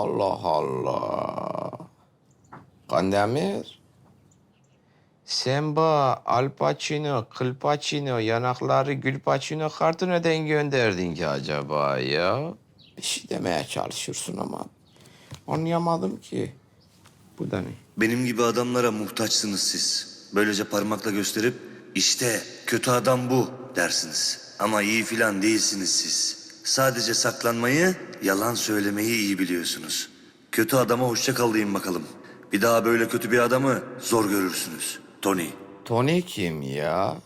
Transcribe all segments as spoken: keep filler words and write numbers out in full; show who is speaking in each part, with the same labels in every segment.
Speaker 1: Allah Allah. Kandemir. Sen bu Al Pacino, Kıl Pacino, yanakları Gül Pacino kartı neden gönderdin ki acaba ya? Bir şey demeye çalışıyorsun ama anlayamadım ki. Bu da ne?
Speaker 2: Benim gibi adamlara muhtaçsınız siz. Böylece parmakla gösterip işte kötü adam bu dersiniz. Ama iyi filan değilsiniz siz. Sadece saklanmayı, yalan söylemeyi iyi biliyorsunuz. Kötü adama hoşça kal deyin bakalım. Bir daha böyle kötü bir adamı zor görürsünüz. Tony.
Speaker 1: Tony kim ya?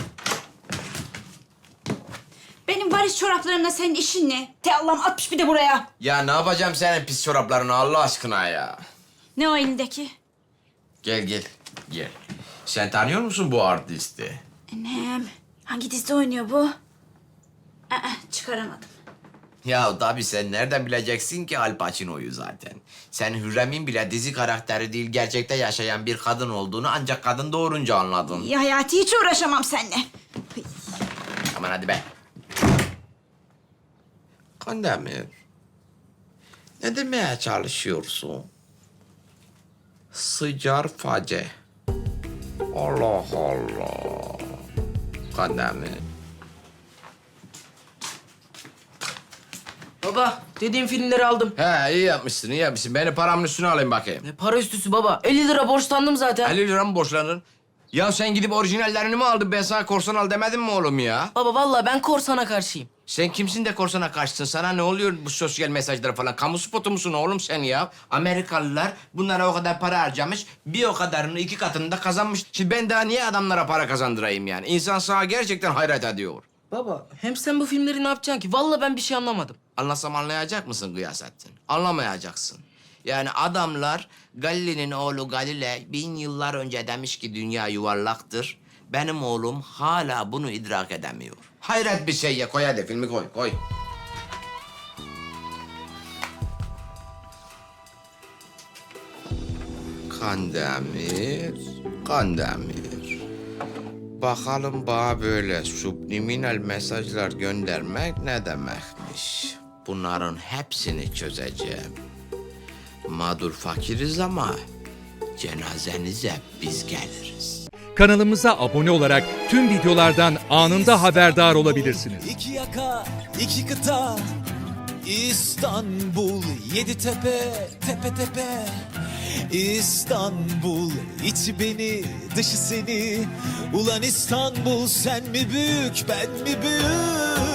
Speaker 3: Benim varis çoraplarımla senin işin ne? Te Allah'ım atmış bir de buraya.
Speaker 1: Ya ne yapacağım senin pis çoraplarını Allah aşkına ya?
Speaker 3: Ne o elindeki?
Speaker 1: Gel gel gel. Sen tanıyor musun bu artisti?
Speaker 3: Annem, hangi dizide oynuyor bu? Aa, çıkaramadım.
Speaker 1: Ya tabii sen nereden bileceksin ki Al Pacino'yu zaten? Sen Hürrem'in bile dizi karakteri değil, gerçekte yaşayan bir kadın olduğunu ancak kadın doğurunca anladın.
Speaker 3: Ya Hayati, hiç uğraşamam seninle. Hıy.
Speaker 1: Aman hadi be. Kandemir, ne demeye çalışıyorsun? Sıcar face. Allah Allah. Kandemir.
Speaker 4: Baba, dediğim filmleri aldım.
Speaker 1: He iyi yapmışsın, iyi yapmışsın. Beni paramın üstüne alayım bakayım.
Speaker 4: Ne para üstüsü baba? elli lira borçlandım zaten.
Speaker 1: elli lira mı borçlandın? Ya sen gidip orijinallerini mi aldın? Ben sana korsan al demedim mi oğlum ya?
Speaker 4: Baba vallahi ben korsana karşıyım.
Speaker 1: Sen kimsin de korsana karşısın? Sana ne oluyor bu sosyal mesajlar falan? Kamu spotu musun oğlum sen ya? Amerikalılar bunlara o kadar para harcamış, bir o kadarını iki katını da kazanmış. Şimdi ben daha niye adamlara para kazandırayım yani? İnsan sana gerçekten hayret ediyor.
Speaker 4: Baba, hem sen bu filmleri ne yapacaksın ki? Vallahi ben bir şey anlamadım.
Speaker 1: Anlasam anlayacak mısın Gıyasettin? Anlamayacaksın. Yani adamlar Galile'nin oğlu Galile bin yıllar önce demiş ki dünya yuvarlaktır. Benim oğlum hala bunu idrak edemiyor. Hayret bir şey ya. Koy hadi filmi koy, koy. Kandemir, Kandemir. Bakalım bana böyle subliminal mesajlar göndermek ne demekmiş? Bunların hepsini çözeceğim. Mağdur fakiriz ama cenazenize biz geliriz.
Speaker 5: Kanalımıza abone olarak tüm videolardan anında haberdar olabilirsiniz.
Speaker 6: İki yaka, iki kıta, İstanbul, yedi tepe, tepe tepe. İstanbul, içi beni, dışı seni. Ulan İstanbul, sen mi büyük, ben mi büyük?